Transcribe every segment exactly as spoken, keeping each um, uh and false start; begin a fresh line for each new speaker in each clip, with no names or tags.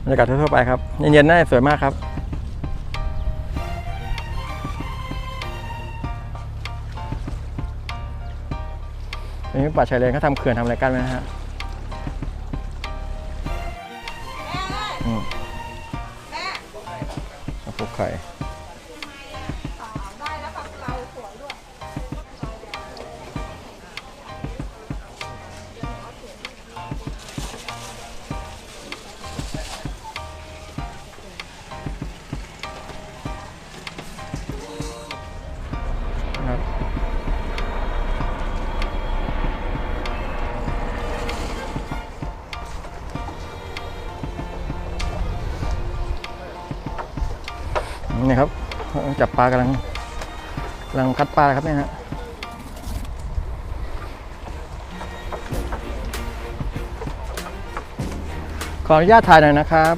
รยากาศทั่วๆไปครับเย็นๆน่าสวยมากครับนี่ป่าชายเลนเขาทำเขื่อนทำอะไรกันไหมนะฮะอืมปลูกไข่นี่ครับจับปลากำลังกำลังคัดปลาครับเนี่ยฮะขออนุญาตถ่ายหน่อยนะครับ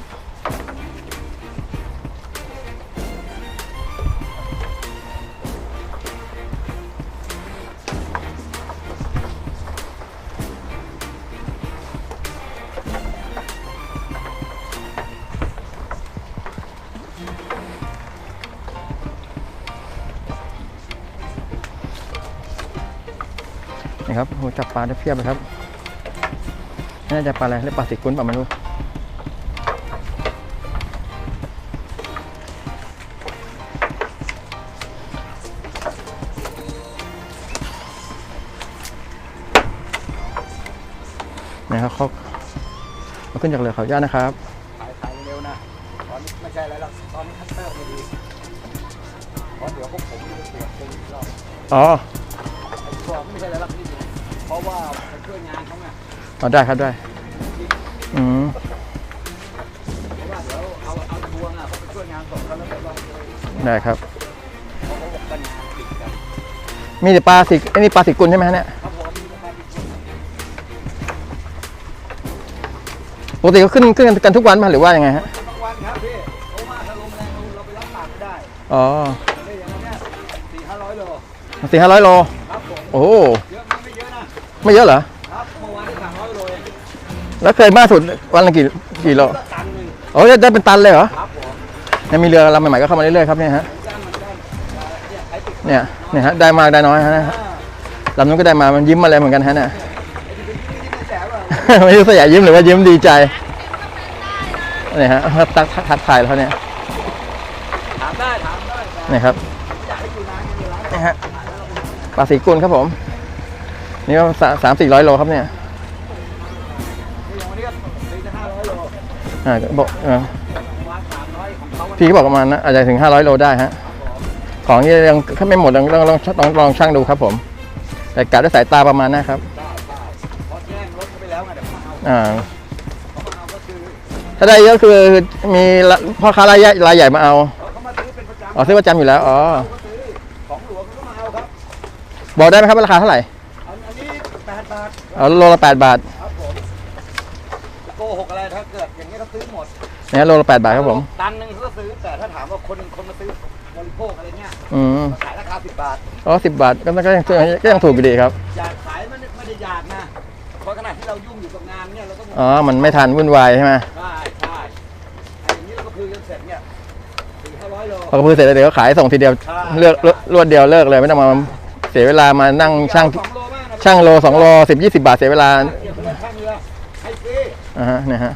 นี่ครับโหจับปลาได้เพียบเลยครับน่าจะปลาอะไรเรียกปลาสิกุ้นปลาไม่รู้นะครับเขาเขาขึ้นจากเรือเขาย่านะครับ
ถ่ายถ่ายเร็วนะตอนนี้ไม่ใช่อะไรหรอกตอนนี้คัตเตอร์ไม่ดีเพราะเดี๋ยวพวกผมจะตรวจตึงรอบ
อ๋อ
ไอ้พวกไม่ใช่อะไรหรอกนี่เพราะว่าไปช่วยงานเขาไง
อ๋อได้ครับได้อืม
เพราะว่าเดี๋ยวเอาเอาทวงอ่ะเขาไปช่วยงานส่งเขาแล้วไปลองเลย
ได้ครับ
เพราะเขาบอกกันงานติดกัน
มีแต่ปลาสิไอ้นี่ปลาสิกุลใช่ไหมฮะเนี่ย
ครับผมมีปลาติดกัน
ปกติเขาขึ้นขึ้นกันทุกวันป่ะหรือว่ายังไงฮะ
ทุกวันครับพี่เพราะว่าถ้าลมแรงเราไปรับปากไม่ได้
อ๋อ
ได้อย่างนี้สี่ห้าร้อยโล
สี่ห้าร้อยโล
ครับผม
โอ้
เยอะไหมไม่เยอะนะ
ไม่เยอะเหรอ
ครับเมื่อวานได้สามร้อยโลเอง
แล้วเคยมากสุดวันละกี่กี่โล
ตันหนึ่ง
โอ้ยได้เป็นตันเลยเหรอ
ครับผม
ยังมีเรือลำใหม่ๆก็เข้ามาเรื่อยๆครับเนี่ยฮะเนี่ยเนี่ยฮะได้มากได้น้อยฮะลำนู้นก็ได้มามันยิ้มมาเลยเหมือนกันฮะเนี่ยไม่รู้สยามยิ้มหรือว่ายิ้มดีใจนี่ฮะตักทักทายเขาเนี่ย
ถามได้ถามได้
นี่ครับนี่ฮะปลาสีกุลครับผมนี่ก็สามสี่ร้อยโลครับเนี่ยอ่าบอกพี่ก็บอกประมาณนะอาจจะถึงห้าร้อยโลได้ฮะของนี่ยังไม่หมดลองลองลองลองลองช่างดูครับผมแต่กะด้วยสายตาประมาณนะครับอ่าถ้าได้เยอะคือมีพ่อค้ารายใหญ่รายใหญ่มาเอาอ๋อซื้อประจำอยู่แล้วอ๋อ
ของหลวงเขามาเอาครับ
บอกได้ไหมครับราคาเท่าไหร่
อันนี้แปดบาท
เอาโลละแปดบาท
ครับผมโกหกอะไรถ้าเกิดอย่างนี้เขาซื้อหมด
เนี่ยโลละแปดบาทครับผม
ตันหนึ่งเขาซื้อแต่ถ้าถามว่าคนคนมาซื้อบริโภคอะไรเงี้ย
อืม
ขายราคาสิบบาท
อ๋อสิบบาทก็ก็ยังก็ยังถูกอยู่ดีครับ
อยากขายมันไม่ได้อยากนะเพราะขณะที่เรายุ่งอยู่กับงานเนี่ยเราต้อง
อ๋อมันไม่ทันวุ่นวายใช่ไหม
ใช่ใช่อย่างนี้เราก็คือจนเสร็จเนี่ยสี่ห้าร้อยโล
พอกระพือเสร็จแล้วเดี๋ยวก็ขายส่งทีเดียวเลือกรวดเดียวเลิกเลยไม่ต้องมาเสียเวลามานั่งช่างช่างโลสองโลสิบยี่สิบบาทเสียเวลาอ่าฮะเนี่ยฮะ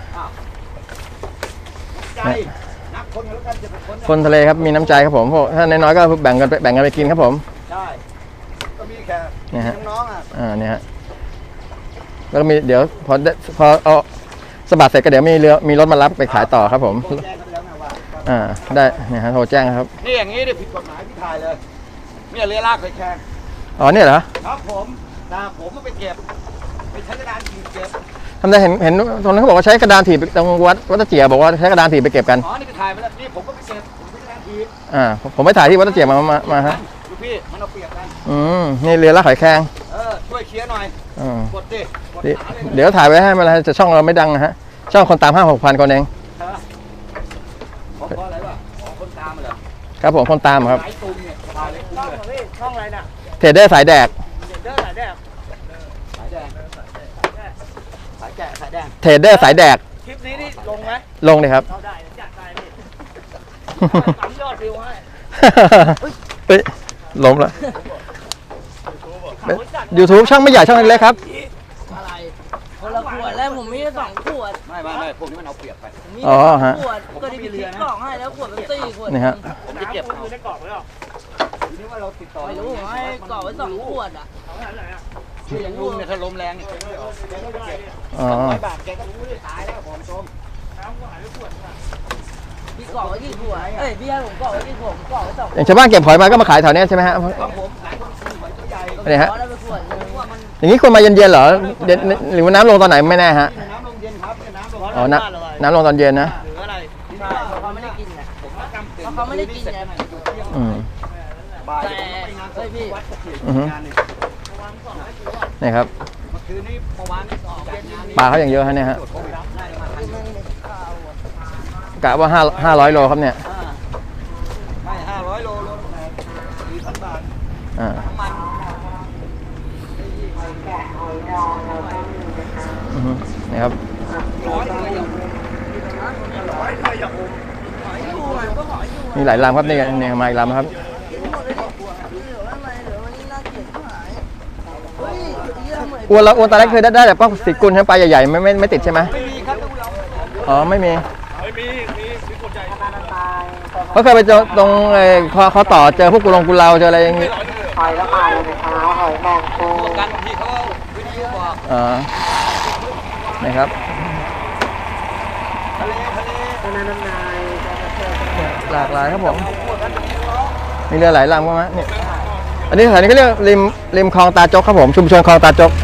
คนทะเลครับมีน้ำใจครับผมพวกถ้าน้อยๆก็แบ่งกันไปแบ่งกันไปกินครับผม
ใช่ก็มีแค่
เนี่ยฮะ
น้องอ่ะ
อ่าเนี่ยฮะแล้วก็มีเดี๋ยวพอพอเอาสบัดเสร็จก็เดี๋ยวมีเรือมีรถมารับไปขายต่อครับผมอ่าได้เนี่ยฮะโทรแจ้งครับ
นี่อย่างนี้เนี่ยผิดกฎหมายพี่ถ่ายเลยเนี่ยเรือลากไปแข่ง
อ๋อเนี่ยเหรอ
ครับผมนะผมก็ไปเก็บไปใช้กระดานถีบเก็บ
ทำได้เห็นเห็นตรงนั้นเขาบอกว่าใช้กระดานถีบตรงวัดวัดตะเจียบอกว่าใช้กระดานถีบไปเก็บกัน
อ๋อนี่ไปถ่ายไปแล้วนี่ผมก็ไปเก็บผมใช้กระดานถีบ
อ่าผมไปถ่ายที่วัดตะเจียมามามาฮะ
ดูพี่มันเอาเปรียบกัน
อืมนี่เรือลากหอยแครง
เออช่วยเคลียร์หน่อยกดดิ
เดี๋ยวถ่ายไว้ให้มันจะช่องเราไม่ดังนะฮะช่องคนตามห้าหกพันคนเอง
เพราะอะไรวะคนตามเหรอ
ครับผมคนตามครับ
ช่องอะไรน่ะ
เทรดเดอร์สายแดก
เทรดเดอร์สายแดกสายแดงสายแดงสายแกะสายแดง
เทรดเดอร์สายแดก
คลิปนี้นี่
ลงไหม
ลงเลยครับ
เราได้จัดไปพี่สามยอดวิวให้
เฮ้ยล้มแล้ว YouTube ช่องไม่ใหญ่ช่องเล็กๆครับ
อะไรคนละขวดแล้วผมมีแค่สองขวด
ไม่ไม่ไม่พวกนี้มันเอาเปรียบไป
ผมมี
อ๋อ
แค่ส
ฮะ
องขวดก็ได้ไปคิดกล่องให้แล้วขวดเป็นสี่ขวด
นี่ฮะ
ผมจะเก็บเอาได้กรอบไว้หรอ
ทีนี้ว่าเราติดต่อ
ไม่รู้ผมให้กล่องไว้สองขวดอ่ะ
เอาไหนไหนอ่ะ
คืออย่างลุงเนี่ยถ้าลมแรงเนี่ยแกไม่ออกแกก็เก็บ
อ๋อ
ร้อยบาทแกก็รู้เลยตายแล้วผมชม
น้ำก็หายไปขวดนึง
พี่กล่องไว้กี่ขวดเอ้ยพี่ให้ผมกล่องไว้กี่ขวดผมกล่องไว้สองขว
อย่า
ด
งชาวบ้านเก็บหอยมาก็มาขายแถวเนี้ยใช่ไหมฮะ
ของผมขายคนซื้อหอยตัวใหญ่
อะไรฮะ
ขอได้ไปขวดนึงว่ามัน
อย่างนี้ควรมาเย็นๆเหรอเย็นหรือว่าน้ำลงตอนไหนไม่แน่ฮะ
น้ำลงเย็นครับน้ำลง
อ๋อน้ำน้ำลงตอนเย็นนะ
หรืออะไร
ใช่เขาไม่ได้กินไง
ผมว่ากำเต็ม
เพราะเขาไม่ได้กินไง
อืม
บ่าย
แต่
ไปงาน
เฮ้ยพี่
วัดตะเกียบ
อือฮึ
งานหนึ่ง
นี่ครับ
เมื่อคืนนี้เมื่อวานออกจัดงานนี้
ปลาเขาอย่างเยอะฮะเนี่ยฮะ
ตรวจโควิดได้มาทัน
มันเป็นข้าวอะ
กะว่าห้าห้าร้อยโลครับเนี่ย
อ่าไม่ห้าร้อยโลโลละสี่พันบาท
อ่า
น้ำมัน
อือฮึนี่ครับ
ร้อยเลยอย่างร้อยเลยอย่าง
หอยอยู่มันก็หอยอยู่
มีหลายลำครับนี่นี่มาอีกลำครับ
หมดเลยเหลืออะไรเหลือวันนี้น่าเกลียดที่หายเฮ้ยเยี่ยมเลย
อ้วนแล้วอ้วนตอนแรกเคยได้ได้แต่ป้องติดกุลใช่ไหมปลาใหญ่ๆไม่ไม่ไม่ติดใช่ไหม
ไม่มีครับทุกเรา
อ๋อไม่มี
ไม่มีมีมีขวดใหญ่
เขาเคยไปเจอตรงเอ่อเขาเขาต่อเจอพวกกุลงกุลเราเจออะไรอย่างงี้
หอยละพายเลยนะคะหอยแมงปู
พวกกันบางทีเขาวิทยุบอก
อ๋อนี่ครับ
ทะเลทะเล
น้ำน้ำนาย
หลากหลายครับผมมีเรือหลายลำก็มาเนี่ยอันนี้สถานีก็เรียกริมริมคลองตาจกครับผมชุมชนคลองตาจก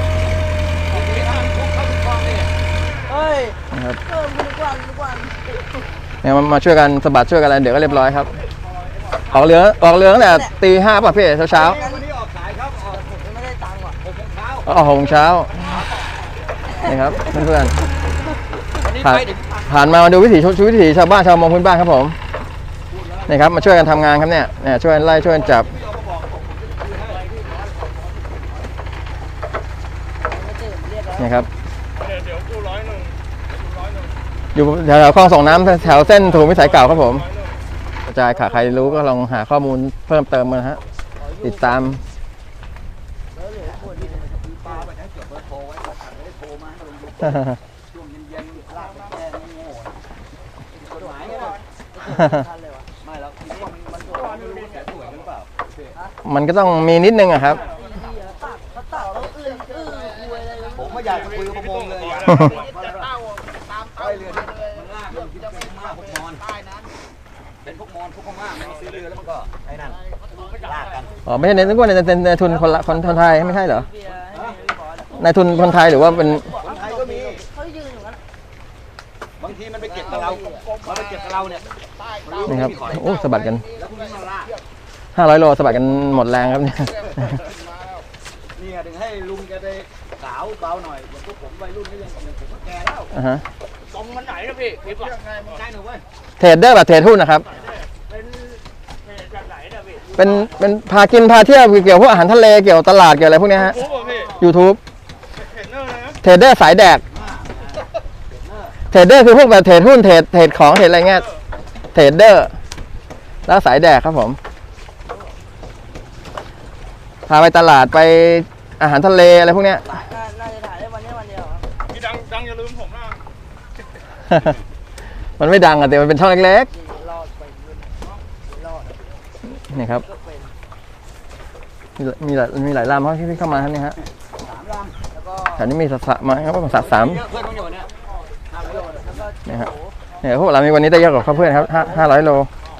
เฮ้ย
นะครับ
เพิ่มทุกวันทุกวัน
เนี่ยมามาช่วยกันสะบัดช่วยกันอะไรเดี๋ยวก็เรียบร้อยครับออกเรือออกเรือตั้งแต่ตีห้าป่ะพี่เช้าเช้า
วันนี้ออกสายครับออก
ผมยังไม่ได้ตังค์ว่ะ
หกโมงเช้า
ๆออกหกโมงเช้านี่ครับเพื่อน
วันนี้
ๆผ่าน
ไปถึง
ผ่านมามาดูวิถีชีวิตวิถีชาวบ้านชาวมงพื้นบ้านครับผมนี่ครับมาช่วยกันทำงานครับเนี่ยเนี่ยช่วยกันไล่ช่วยกันจับ
ไม่ตื่นเรียกแล้ว
นี่ครับ
เดี๋ยวเดี๋ยวกูร้อยหนึ่งร้อยหนึ่ง
อยู่แถวๆคลองส่งน้ำแถวเส้นถนนวิสัยเก่าครับผมกระจายขาใครรู้ก็ลองหาข้อมูลเพิ่มเติมมานะฮะติดตาม
ปลาไปให้จดเบอร์โทรไว้บอกไม่ได้โทรมาให้ลงช่วงเย็นๆลากไปแก้ไม่โง่กฎหมายเนี่ย
ทันเลยวะ
ไม่แล้วคิดว่ามันมันตัวไม่รู้ว่าแกสวยหรือเปล่า
มันก็ต้องมีนิดนึงอะครับ
ไอ้เหี้ยตักเขาตักแล้วอื้ออื้อคุยอะไรกัน
ผมไม่อยากคุยกับประมงเลยอยาก
จะเต้าตาม
ไปเรือมันลากมันคิดเป็นพม่าพวกมอญเป็นพวกมอญพวกพม่ามันซื้อเรือแล้วมันก็ไอ้นั่นลากกัน
อ๋อไม่ใช่ในนึกว่าในในในทุนคนละคนคนไทยไม่ใช่เหรอ
เบียร์ให้พี่บอสอะ
ในทุนคนไทยหรือว่าเป็น
คนไทยก็มี
เขายืนอยู่นั้น
บางทีมันไปเก็บกับเรามันไปเก็บกับเราเนี่ย
นี่ครับโอ้สะบัดกัน
แล้วพวกนี้มาลาก
ห้าร้อยโลสะบัดกันหมดแรงครับเนี่ย
เนี่ยถึงให้ลุงแกไปสาวเบาหน่อยอย่างพวกผมวัยรุ่นนี่ยังผมก็แก่แล้ว
อ่าฮะ
ตรงมันไหนนะพี่คลิปอ่ะ
ใช่หนูเว้ย
เทรดเดอร์แบบเทรดหุ้นนะครับ
เป็นเพจจากไหนนะพี่
เป็นเป็นพากินพาเที่ยวเกี่ยวกับพวกอาหารทะเลเกี่ยวกับตลาดเกี่ยวอะไรพวกเนี้ยฮะ
โอ้โหพี่
YouTube
เห็นเนอร์เลยนะ
เทรดเดอร์สายแดกเทรดเดอร์คือพวกแบบเทรดหุ้นเทรดเทรดของเทรดอะไรเงี้ยเทรดเดอร์แล้วสายแดกครับผมพาไปตลาดไปอาหารทะเลอะไรพวกเนี้ย
น่าน่าจะถ่ายได้วันนี้วันเดียวครับ
พี่ดังดังอย่าลืมผมนะ
มันไม่ดังอะแต่มันเป็นช่องเล็ก
รอดไปรุ่นรอด
ๆนี่ครับ
ก็เป็น
มีหลายมีหลายมีหลายลำครับที่พี่เข้ามาครับนี่ฮะ
สามล
แล้วก็
แถวนี้มีสัตว์สะมาครับสัตว์สาม
ำเยอะเพื่อนต้องอยู่เนี่ยห้าร้อยโล
แล้วก็
นี่ฮะเนี่ยพวกเรามีวันนี้ได้เยอะกว่าเขาเพื่อนครับห้าห้าร้อยโล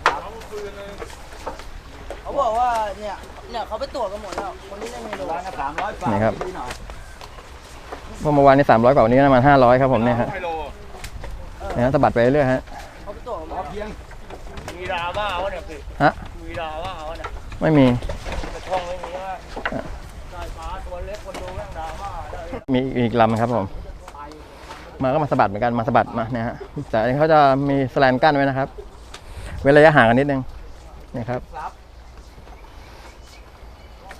เขาบอกว่าเนี่ยเนี่ยเขาไปตรวจกันหมดแล้วคนที่เล่นเมนู
ร้านละสามร้อยฝาก
นี่ครับ
ดีหน่อย
เมื่อวานนี้สามร้อยกว่าวันนี้ประมาณห้าร้อยครับผมเนี่ยฮะ
ไฮโล
เนี่ยฮะสะบัดไปเรื่อยๆฮะ
เขาไปตรวจกันหม
พอ
ด
เพียง
มีดาว่าวะเนี่ยพี่
ฮะ
มีดาว่าวะเนี่ย
ไม่มี
แต่ช่องไม่มีว่าสายฟ้าตัวเล็กคนดูแม่งดราม่าได้
มีอีกลำครับผม มาก็มาสะบัดเหมือนกันมาสะบัดมาเนี่ยฮะแต่อันนี้เขาจะมีแสแลนกั้นไว้นะครับ เว้นระยะห่างกันนิดนึงนี่ครับ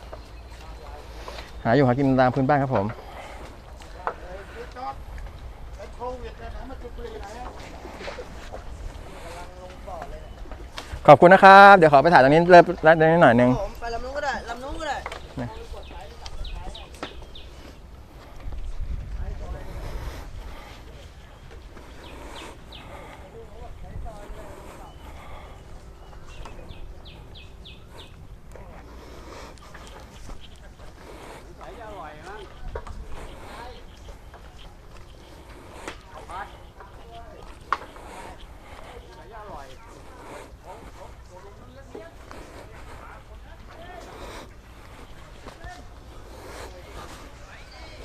หาอยู่หากินตามพื้นบ้านครับผม
โควิดนะนะมาจุดบุหรี่ไหน
ขอบคุณนะครับ เดี๋ยวขอไปถ่ายตรงนี้เริ่มรัดนิดหน่อยหนึง
ผมไปลำนู้นก็ได้ลำนู้นก็ได้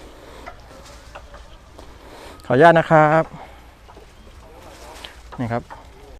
ขออนุญาตนะครับ นี่ครับ